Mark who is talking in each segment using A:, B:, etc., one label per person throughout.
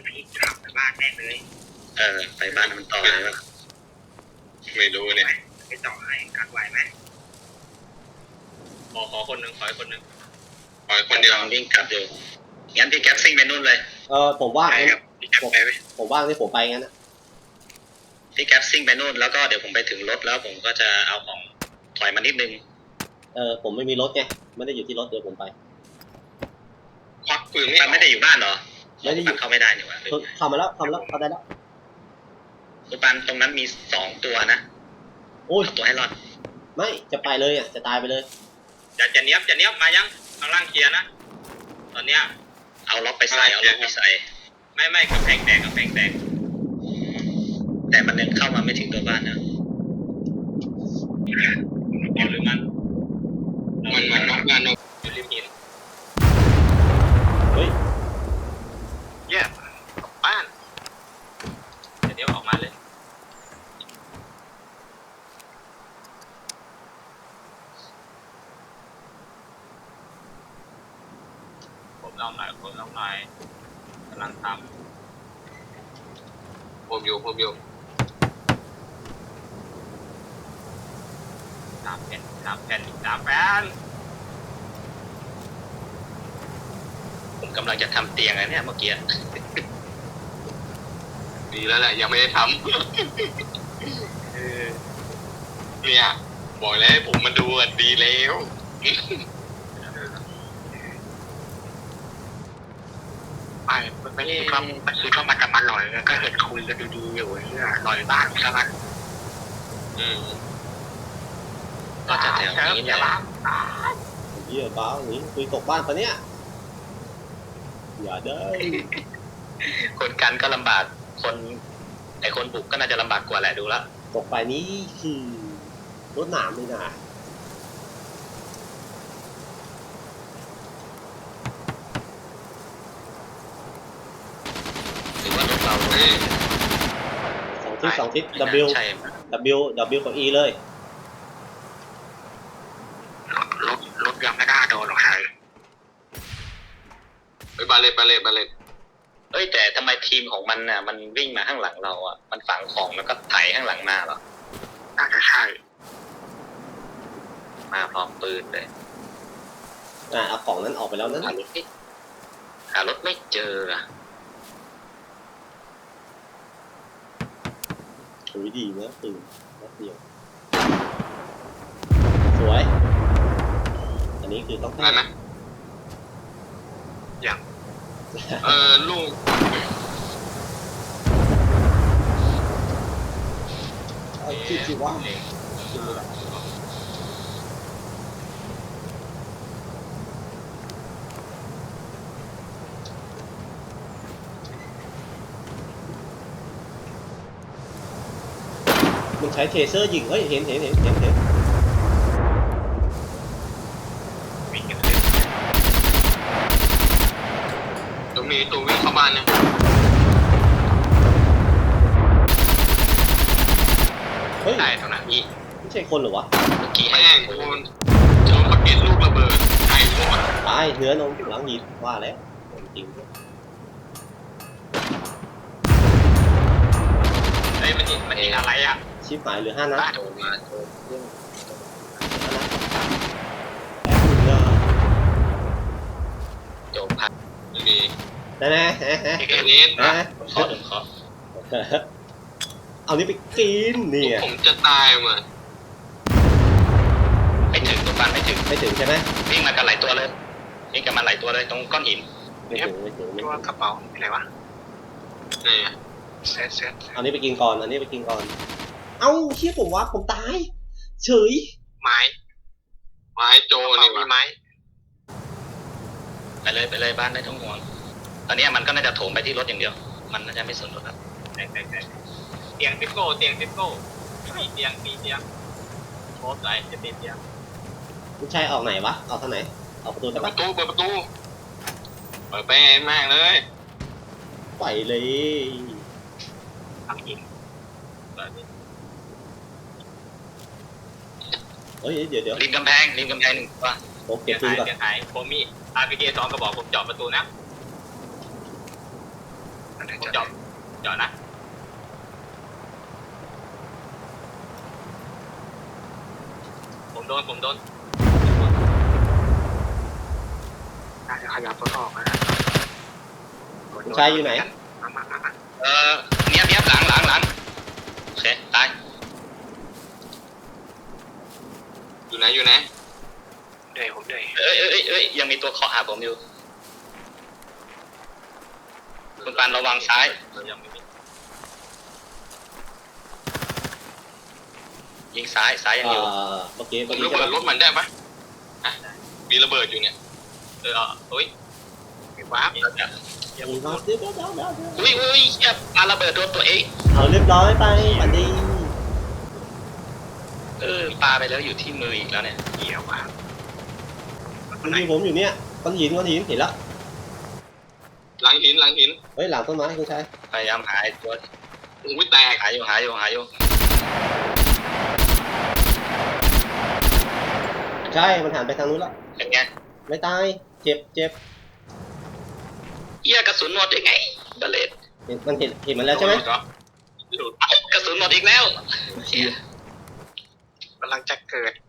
A: ยวพี่ขับไปบ้านแน่เลย
B: ไปบ้านมันต่อเลยวะไม่รู้เนี่ย
A: ไปต่อให้กักไหวไหม
C: ขอคนหนึ่งขอคนหนึ่ง
B: ปล่อยคนเดียววิ่งกลับอยู่งั้นพี่แก๊ปซิ่งไปนู่นเลย
D: ผมว่าง
B: ไปกับพี่แก๊ปไปไหม
D: ผมว่างที่ผมไปงั้นนะ
B: พี่แก๊ปซิ่งไปนู่นแล้วก็เดี๋ยวผมไปถึงรถแล้วผมก็จะเอาของถอยมานิดนึง
D: ผมไม่มีรถไงไม่ได้อยู่ที่รถเดี๋ยวผมไป
B: ควักปืนไม่ได้อยู่บ้านเหรอ
D: ไม่ได้อยู่
B: เข้าไม่ได้นี่หว่า
D: เข้ามาแล้วเข้าได้แล้ว
B: คุณปันตรงนั้นมี2ตัวนะ
D: โอ้ย
B: เอาตัวให้รอด
D: ไม่จะไปเลยอ่ะจะตายไปเลย
C: จะเนี้ยบมายังข้างล่างเคลียร์นะตอนเนี้ย
B: เอาล็อกไปใส่เอาล็อกไปใส่
C: ไม่กระแพงแตก
B: แต่มันยังเข้ามาไม่ถึงตัวบ้านนะ
C: เอาหรือมันน็อกมันอยู่ริมหิน
D: เฮ้ย
C: เยี่ยมบ้านเดี๋ยวออกมาเลยผมลองหน่อยกำลังทำผมอยู่3 แผ่น
B: ผมกำลังจะทำเตียงอะไรเนี่ยเมื่อกี้
C: ดีแล้วแหละยังไม่ได้ทำเนี่ยบอกแล้วให้ผมมาดูอ่ะดีแล้ว
A: ไม่ได้ก็มันคือเข้ามากันมาหน่อยแล้วก็เห็นคุยกันดีๆอยู่เนี่ยหน่อยบ้างใช่ไหม
B: ก็จะแถวนี้แหละ
D: เหี้ยบ้าหนีคุยตกบ้านปะเนี่ยอย่าเด้อ
B: คนกันก็ลำบากคนบุกก็น่าจะลำบากกว่าแหละดูละ
D: ตกไปนี้คือรถหนามเลยนะ
B: หรือว่ารถเรา
D: สองทิศ W
B: ใช่
D: W กับ E เลย
A: รถยังไม่น่าโดนหรอกใคร
C: ไปบาเลต
B: เอ้ยแต่ทำไมทีมของมันน่ะมันวิ่งมาข้างหลังเราอ่ะมันฝังของแล้วก็ไถข้างหลังมาเหรอ
A: น่าจะใช่
B: มาพร้อมปืนเลย
D: เอาของนั้นออกไปแล้วนั้น
B: หารถไม่เจออ่ะ
D: โอ้ยดีนะตื่นนัดเดียวสวยอันนี้คือต้อง
C: ได้ไหมอย่างลูก
D: คิดว่ามันใช้เทเซอร์ยิงเฮ้ยเห็น
C: ตรงนี้ตัววิ่งเข้าบ้านเนี่ย
D: เฮ้ย
C: ได้ตรงนั้นอี
D: ไม่ใช่คนเหรอวะ
B: เมื่อกี้
C: แม่งคนเจอปากเก็ตลูกระเบิดไอ้หมด
D: ตายเนื้อนมหลังยิงว่าแล้วจริง
C: ไอ้มันยิงอะไรอ่ะ
D: ชิปหายเหลือ5 นัด
B: โดนมา โจมพัด
C: ดี
D: แน่
C: เกนิส
B: ขอหนึ่งขอ
D: เอานี้ไปกินเนี่ย
C: ผมจะตายมา
B: ไม่ถึงตัวปันไม่ถึง
D: ไม่ถึงใช่ไหม
B: วิ่งมากันหลายตัวเลยวิ่งกันมาหลายตัวเลยตรงก้อนหิน
D: ไม่ถึง
A: ตัวกระเป๋าอะไรวะ
C: เนี่ย
A: เซต
D: เอานี้ไปกินก่อนเอ้าเชี่ยผมว่าผมตายเฉย
A: ไม้
C: โจ
A: นี่
C: นี่
A: มี
C: วะ
A: ไม้
B: ไปเลยบ้านได้ทั้งห่วงตอนนี้มันก็น่าจะโถมไปที่รถอย่างเดียวมันน่าจะไม่สนรถครับ
C: เตียงซิโก้มีเตียงโคตรไหลจะติดเตียง
D: ผู้ชายออกไหนวะออกทางไหนออกประตูได้
C: เปิ
D: ปะ
C: ดประตูเปิดไปมากเลย
D: ไปเลย
C: ทางหิน
D: เฮ้ยเดี๋ยว
B: ริมกำแพง1ตัว
D: ผมเก็บปืนก่อน
C: เตียงหายผมมีRPG 2 กระบอกผมเจาะประตูนะ
A: อันนี้
C: ผมจอดนะผมโดน
A: น่าจะขยับรถออกนะ
D: คุณชายอยู่ไหน
A: มา
B: เนี้ยบหลังโอเคตาย
C: อยู่ไหน
A: เดี๋ยวผมเดี๋ยว
B: เอ้ยยังมีตัวเคาะหาผมอยู่คุณปานระวังซ้าย
C: ยังไม่มี
B: ยิงซ้ายยังอยู่
D: เมื่อกี้
C: ผม
D: ใช่
C: ระเบิด
D: ไหม
C: รถมันได้ปะมีระเบิดอยู่เนี่ยเฮ้ย
A: ว้าบ
D: เดี๋ยว
B: อุ้ยเฮียปาระเบิดโดนตัวเอง
D: เอาเรียบร้อยไปปันดี
B: ปาไปแล้วอยู่ที่มืออีกแล้วเนี่ย
A: เกี่ยวว่ะ
D: มันยิงผมอยู่เนี่ยก้อนหินเห็นแล้ว
C: หลังหิน
D: เฮ้ยหลังต้นไม้คุณชาย
B: พยายามหาไอ้ตัว
C: โอ้ยแตก
B: หาอยู่
D: ใช่มันหันไปทางนู้นแล้ว
B: เป็นไง
D: ไม่ตายเจ็บ
B: เฮียกระสุนหมดยังไงบาเลต
D: มันเห็นมันแล้วใช่ไหม
B: กระสุนหมดอีกแล้วเฮีย
A: กำลังจะเกิด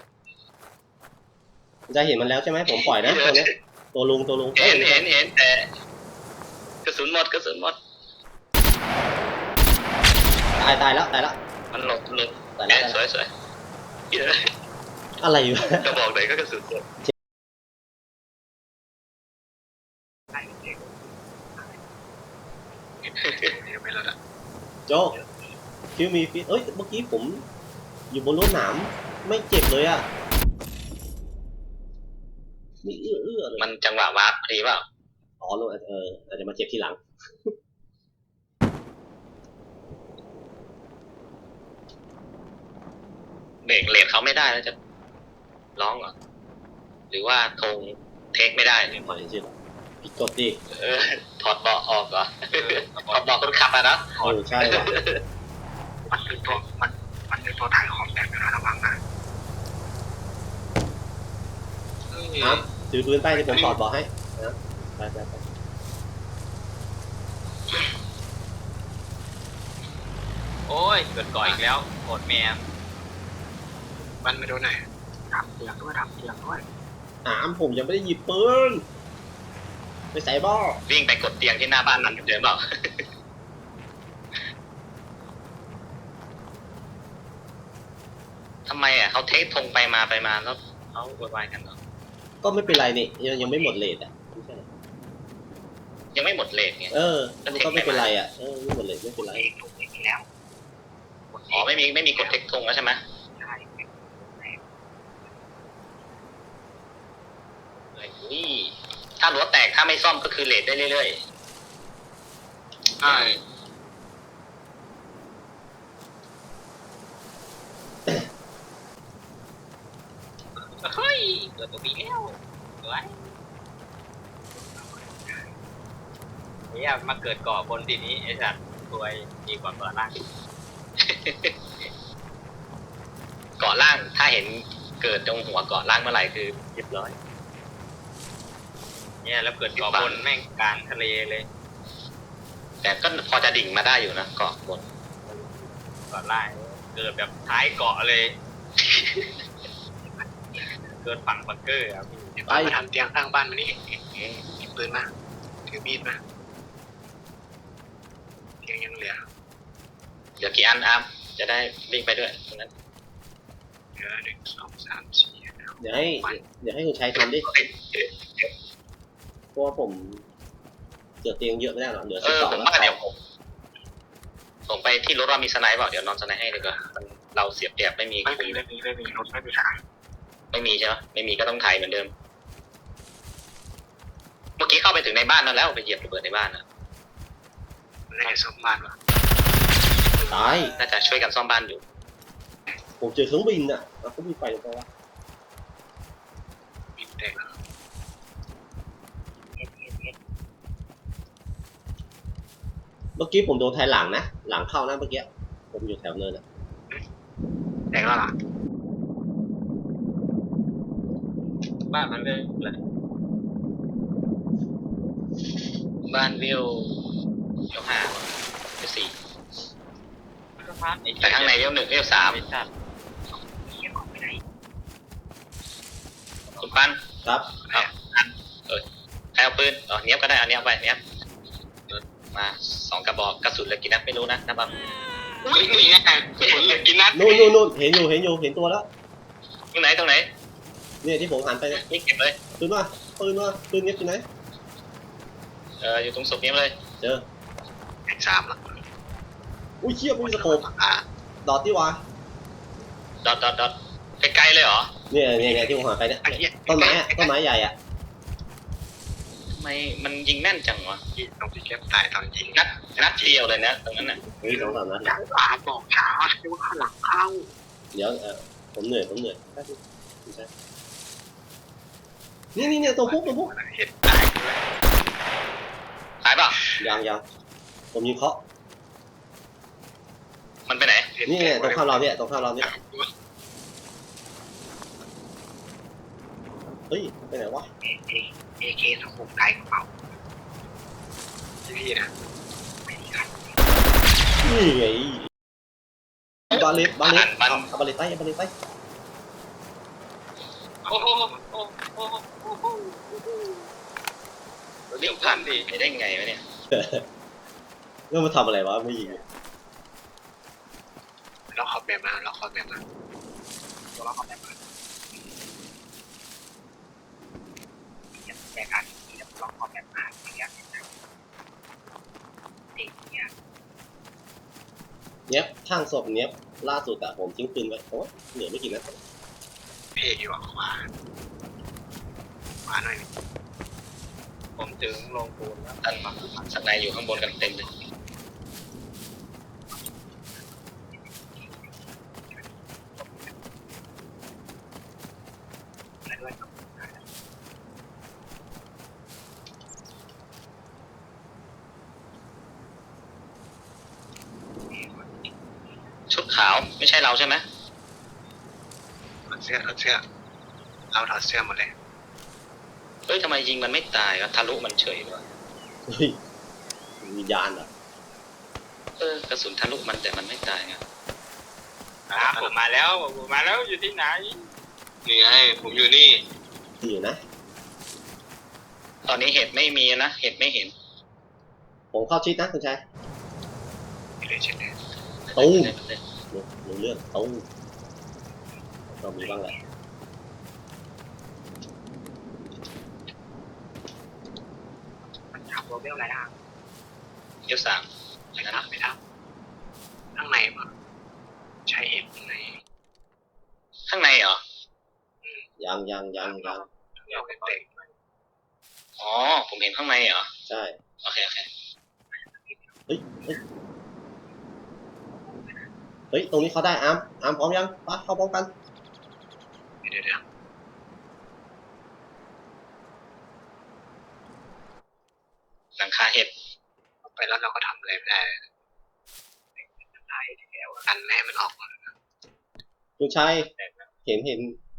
D: คุณชายเห็นมันแล้วใช่ไหมผมปล่อยนะตัวเนี้ยตัวลุง
B: เห็นแต่กระสุนหมด
D: ตายแล้ว
B: มันหลบ
D: ตายแล้ว
B: สวยเฮีย
D: อะไรอยู่
B: กระบอกไหนก็กระสุนหมด
A: เดี๋ยวไม่แล้วนะ
D: โจ๊กคิวมีฟิตเอ้ยเมื่อกี้ผมอยู่บนรถหนามไม่เจ็บเลยอ่ะมีเอื้อเลย
B: มันจังหวะวาร์ปพอดีเปล่า
D: อ๋อลงอาจจะมาเจ็บทีหลัง
B: เบรกเลทเขาไม่ได้แล้วจะร้องเหรอหรือว่าธงเทคไม่ได้
D: ขอจริงๆผิดกฎดิ
B: ถอดเบาะออกเหรอถอดเบาะคนขับอะนะ
D: ใช่ว่ะ
A: มันเป็นตัวมันเป็นตัวถ่ายของแบบนะระวังนะ
D: ครับถือปืนไปที่ผมถอดบอกให้นะไป
C: โอ้ยเกิดก่ออีกแล้วโหดแม่
A: มันไม่โดนไหนทำเสียงด้วย
D: ผมยังไม่ได้หยิบปืนไปใส่บ้อ
B: วิ่งไปกดเตียงที่หน้าบ้านมันเดิมเปล่าทำไมอ่ะเขาเทคธงไปมาแล้วเขาโวยวายกันเหรอ
D: ก็ไม่เป็นไรนี่ยังไม่หมดเลทอ่ะไม่ใช่
B: ยังไม่หมดเลทไง
D: มันก็ไม่เป็นไรอ่ะไม่หมดเลทไม่เป็นไร
A: เองถูกเองแล้ว
B: อ๋อไม่มีกดเทคธงแล้วใช่ไหม
A: ใช่
B: นี่ถ้ารั้วแตกถ้าไม่ซ่อมก็คือเลทได้เรื่อย
C: ใช่
B: เฮ้ยเกิดตัวปีแล้วสวย
C: เนี่ยมาเกิดก่อบนทีนี้ไอ้สัตว์รวยดีกว่าเกิดล่าง
B: เกาะล่างถ้าเห็นเกิดตรงหัวเกาะล่างเมื่อไหร่คือเรียบร้อย
C: เนี่ยแล้วเกิดก่อบนแม่งกลางทะเลเลย
B: แต่ก็พอจะดิ่งมาได้อยู่นะเกาะบน
C: ก่อนล่างเกิดแบบท้ายเกาะเลย เกิดฝั่งบังเกอร์ครับพี่
A: ไปทำเตียงข้างบ้านมันนี่มีปืนมาถือมีดมาเตียงยังเหลือ
B: เดี๋ยวกี่อันอาร์มจะได้วิ่งไปด้วยตรงนั้น
A: เหลือ1 2 3 4
D: เดี๋ยวให้คุณชายทำดิเพราะว่าผมเกิดเตียงเยอะไม่ได้หรอกเหลือ
B: ผม
D: 12
B: ว่าเดี๋ยวผมส่งไปที่รถว่ามีสไนป์เปล่าเดี๋ยวนอนสไนป์ให้ดีกว่าเราเสียบเปรียบไม่มี
A: ไม่มีรถไม่มีขาย
B: ไม่มีใช่ไหมไม่มีก็ต้องไทยเหมือนเดิม เมื่อกี้เข้าไปถึงในบ้านนั่นแล้วไปเหยียบระเบิดในบ้านนะ
A: ในสมบ้านวะ
D: ตาย
B: น่าจะช่วยกันซ่อมบ้านอยู่
D: ผมเจอเครื่องบินอ่ะเขาบินไปหรือเปล่าวะ
A: บินแตก
D: เมื่อกี้ผมโดนแทงหลังนะหลังเข้านะเมื่อกี้ผมอยู่แถวเนินอ่ะ
A: แตกแล้วล่ะ
C: บ้านมันเลยแหละ
B: บ้านวิวเลี้ยวห้าเลี้ยวสี่
C: สะพานไอ้
B: แต่ข้างในเลี้ยวหนึ่งเลี้ยวสาม
C: ไอ้สัตว์
A: เหี้ยของไปไหน
B: คุณปั้น
D: ครับ
B: ใครเอาปืนเนี้ยบก็ได้เอาเนี้ยบไปเนี้ยบมา2 กระบอกกระสุนเหลือกี่นัดไม่รู้นะนับ
A: อุ้ยนี่ไงผมเหลือกินนัด
D: นู่นเห็นอยู่ตัวแล้ว
B: ตรงไหน
D: เนี่ยที่ผมหันไปเนี่ย
B: นี่เก็บเลย
D: ปืนเงียบที่ไหน
B: อยู่ตรงศพนี้เลย
D: เจอ
A: สามละ
D: อุ้ยเชี่ยไม่มีสโคป
A: อ่ะ
D: ดอทที่วะ
B: ดอทไกลๆเลยเหรอ
D: เนี่ยที่ผมหันไปเนี่ย
A: ไอ้เหี้ย
D: ต้นไม้ใหญ่อะ
B: ทำไมมันยิงแม่นจังวะ
A: ตรงที่แก๊ปตายตอนยิง
B: นัดเดียวเลยนะตรงนั้นน่ะ
D: เฮ้ย2-3 นัด
A: หลังขวาบอกช้าที่ว่าข้างหลังเข้า
D: เดี๋ยวผมเหนื่อยนี่ตัวพุก
A: เห็นตายด้วย
B: ตายเปล่ะ
D: ยังผมยิงเคาะ
B: มันไปไหน
D: นี่ตรงข้ามเราเนี่ยเฮ้ยไปไหนวะ
A: เอเคสโคปไกลกระเป๋าพี่นะไม่มีใคร
D: นี่ไงบาเลต
B: มัน
D: บาเลตใต้
C: โอ้โห
B: เดี๋ยวผ่านไปได้ไงวะเนี่ย
D: เรื่องมาทำอะไรวะไม่ยิง
A: เราขอแบบมาเราขอแบบมาแยกกันที่เราขอแบบมาอย่างเงี้ยเด็กเนี่ย
D: เนี้ยข้างศพเนี้ยล่าสุดอะผมทิ้งปืนไว้โอ้เหลือไม่กี่นัด
A: เพย์อยู่ขวาหน่อย
C: ผมถึงลงปูนแล้ว
B: ท่านสักนายอยู่ข้างบนกันเต็มเลย
A: ด้วย
B: ชุดขาวไม่ใช่เราใช่ไหม
A: ถอดเสื้อเราถอดเสื้อหมดเลย
B: เฮ้ยทำไมยิงมันไม่ตายวะทะลุมันเฉยวะ
D: เฮ้ยวิญญาณเหรอก
B: ระสุนทะลุมันแต่มันไม่ตายไง
C: ผมมาแล้วอยู่ที่ไหน
A: นี่ไงผมอยู่นี่
D: ดีอยู่นะ
B: ตอนนี้เห็ดไม่มีนะเห็ดไม่เห็น
D: ผมเข้าชิดนะคุณชาย
A: ไม่เลยเช่นเดิม
D: ตู้รู้เรื่องตู้เรามีบ้างแหละ
A: มันทำโรเบลอะไรนะ
B: เลี้ยวสาม
A: ไม่ทำข้างในมั้งใช้เอ็มข้างใน
B: ข้างในเหรอ
D: ยัง
A: เราเป็นเด็ก
B: อ๋อผมเห็นข้างในเหรอ
D: ใช่
B: โอเค
D: เฮ้ยตรงนี้เขาได้อาร์มพร้อมยังปะเข้าพร้อมกัน
A: เดี๋ยว
B: หลังคาเห็ด
A: ไปแล้วเราก็ทำอะไรไม่ได้ตายแล้วกันแม่มันออกมา
D: คุณชายเห็น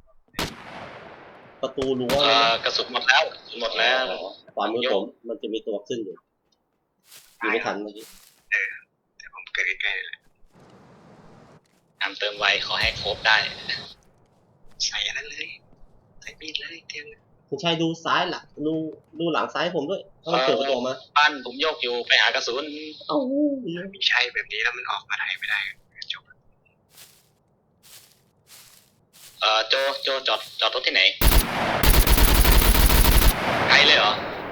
D: ประตูรั้วเลยนะ
B: กระสุนหมดแล้ว
D: ขวามือผมมันจะมีตัวขึ้นอยู่ยิงไม่ทันเมื่อกี้
A: แต่ผมเกิดใกล้ๆเลย
B: น้ำเติมไวขอให้ครบได้
A: ใส่อันนั้นเลยใส่มีดเลยเตียง
D: คุณชายดูซ้ายหลังดูหลังซ้ายผมด้วยถ้ามันเปิดประตูออกมา
B: ปั้นผมโยกอยู่ไปหากระสุน
D: เอ้า
A: มีใช่แบบนี้แล้วมันออกมาไหนไม่ได้จบ
B: โจจอดรถที่ไหนไกลเลยเหรอ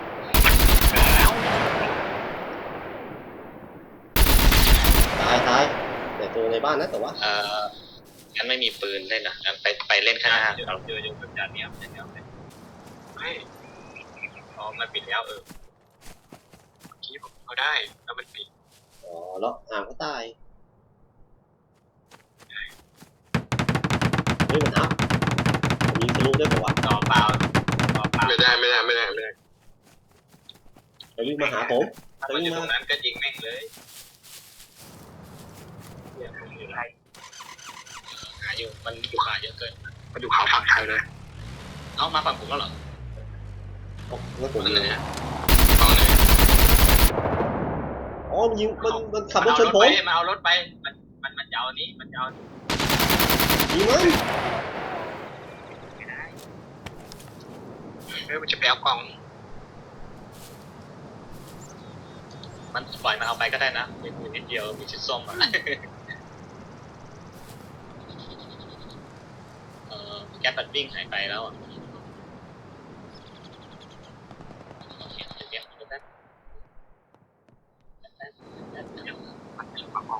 D: ตายแต่ตัวในบ้านนะแต่ว่า
B: ฉันไม่มีปืนเล่นนะงั้นไปเล่นข้างหน้า
C: เราเจออยู่กับจานเนี้ยไม่อ๋อมันปิดแล้ว
A: เมื่อกี้ผมก็ได้แล้วมันปิด
D: อ๋อแล้วอาร์มก็ตายเฮ้ยมันอัพผมยิงทะลุได้ปะวะ
C: ต่อเปล่า
A: ไม่ได้
D: ไปวิ่งมาหาผม
C: ถ้ามันอยู่ตรงนั้นก็ยิงแม่งเลยเดี๋ยวผมอยู่ไร
B: หาอยู่มันอยู่ป่าเยอะเกิน
A: มาดูเขาฝั่งไทยเลย
B: เอามาฝั่งผมแล้วเหรอ
D: งั้นผม
A: นั่น
D: เล
A: เลย
D: ย
A: ฝั่งไหน
D: อ๋ออ๋อมันยิงมันขับร
C: มัน
D: ถ
C: เอา
D: ช
C: ร
D: น
C: ถ
D: ผม
C: ไปมันเอารถไปมันจะเอานี้มันจะเอา
D: ยิงมัน
C: ไม่ได้
A: มันจะไปเอากล่อง
B: มันปล่อยมันเอาไปก็ได้นะมีปืนนิดเดียวมีชุดส้มอ่ะแก๊สมันวิ่งหายไปแล้วอ่ะ
A: มันจะมาเอา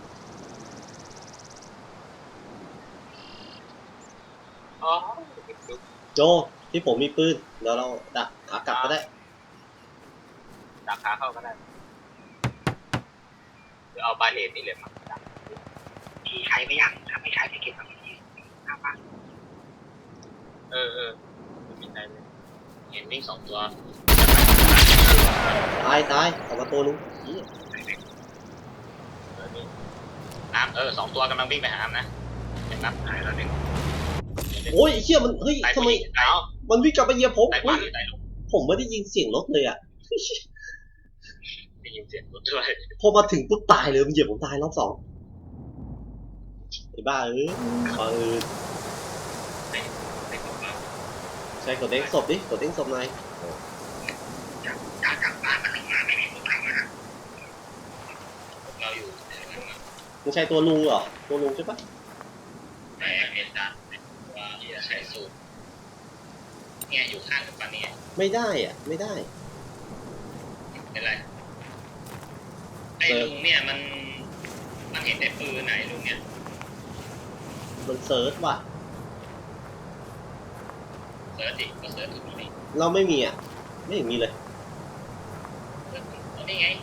C: อ๋อ
D: โจที่ผมมีปืนเดี๋ยวเราดักขากลับก็ได้
C: ดักขาเข้าก็ได้หรือเอาบาเลตนี่เลยมาดัก
A: ที่ใช้ไม่ยังถ้าไม่ใช้จะเก็บเอาที่หน้าบ้าน
C: เออไม่มีใจเลย
B: เห็นวิ่ง2 ตัว
D: ตายออกมาตัวนึงเหี้ย
C: นี่
B: น้ำ2 ตัวกำลังวิ่งไปหาน้ำนะเห็นน้ำหายแล้วหนึ่ง
D: โอ้ยไอ้เหี้ยมันเฮ้ย
B: ตาย
D: ทำไม
B: ตาย
D: มันวิ่งกลับไปเหยียบผม
B: ตาย
D: เฮ้ย
B: ตายลง
D: ผมไม่ได้ยินเสียงรถเลยอ่ะ
B: ได้ยินเสียงรถด้วย
D: พอมาถึงปุ๊บตายเลยมันเหยียบผมตายรอบ 2ไอ้บ้าปืน
B: ไม่ตกแล้ว
D: ใช่กดเด้งศพดิกดเด้งศพหน่อย
A: จากกลับบ้านมันลงมาไม่มีพวกเรานะ
B: เราอยู่แถวนั้นนะ
D: ไม่ใช่ตัวลุงเหรอตัวลุงใช่ปะ
B: แต่เห็นจ้ะว่าที่จะใช้สูตรเนี่ยอยู่ข้างกับปานนี้
D: ไม่ได้อ่ะไม่ได้
B: เป็นไรไอ้ลุงเนี่ยมันเห็นแต่ปืนไหนลุงเนี่ย
D: มันเซิร์ชว่ะ
B: เสิร์ชดิก็เสิร์ชถูกนี่
D: เราไม่มีอ่ะไม่เห็นมีเลย
B: เสิร์ชเอานี่ไง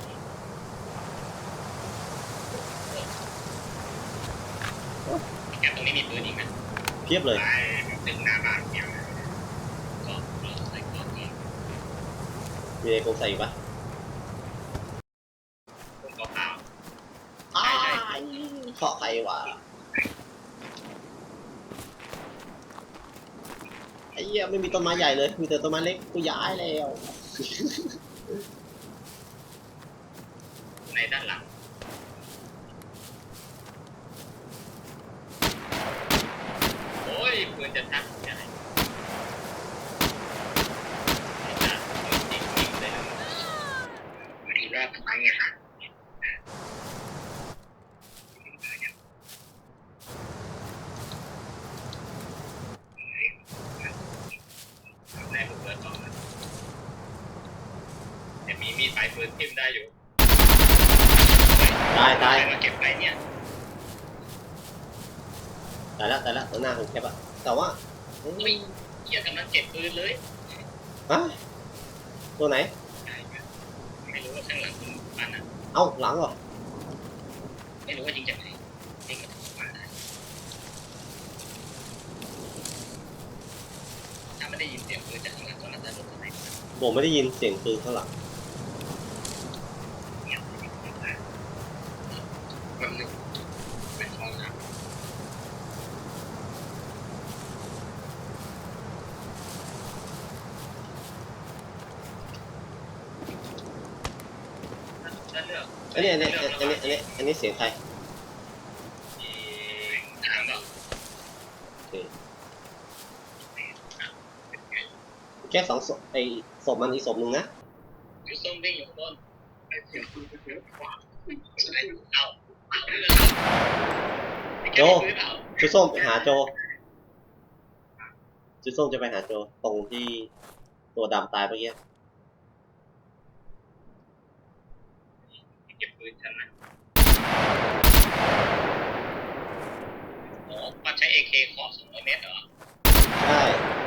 B: แกตรงนี้มีปืนอีกนะ
D: เพียบเลย
A: ไปถึงหน้าบ้านเดียว
B: ก็ใส่กล่องนี้
D: มีอะไรคงใส่อีกปะ
B: ผมก็เปล่า
D: อ้ายเคาะใครวะไอ้เหี้ยไม่มีต้นไม้ใหญ่เลยมีแต่ต้นไม้เล็กกูย้ายแล้ว
B: ในด้านหลังโอ้ยปืนจะทักยังไงจริงๆเลย
A: ทีแรกมันไปไงคะ
B: แรกผมเปิดก่อนนะแต่มีมีดปลายปืนทิ่มได้อยู่
D: ตาย
B: มาเก็บไปเนี่ย
D: ตายแล้วตัวหน้าของแคปอะแต่ว่าเฮ้ย
B: ไม่เกี่ยวกับมันเก็บปืนเลย
D: ฮะตัวไหน
B: ไม่รู้ว่าข้างหลังคุณปันอ่ะ
D: เอ้าหลังเหรอ
B: ไม่รู้ว่ายิงจากไหนยิงมาถึงปันได้ถ้าไม่ได้ยินเสียงปืนจากข้างหลังก็น่าจะลงข้างใน
D: ผมไม่ได้ยินเสียงปืนข้างหลัง
A: มันหนึ่งเป็นห้องน้
B: ถ้าเลือก
D: อันนี้เสียงใคร
B: ทางแบบ
D: โอเคแค่2ศพไอ้ศพมันอีกศพหนึ่งนะ
B: ยูส้มวิ่งอยู่บน
A: ำไอ้เสียงปืนก็เยอะกว่า
B: เอา
D: โจจุดส้มไปหาโจจุดส้มจะไปหาโจตรงที่ตัวดำตายเมื่อกี้
B: เก็บปืนฉันนะอ๋อมันใช้ AK ขอ200 เมตรเหรอ
D: ใช่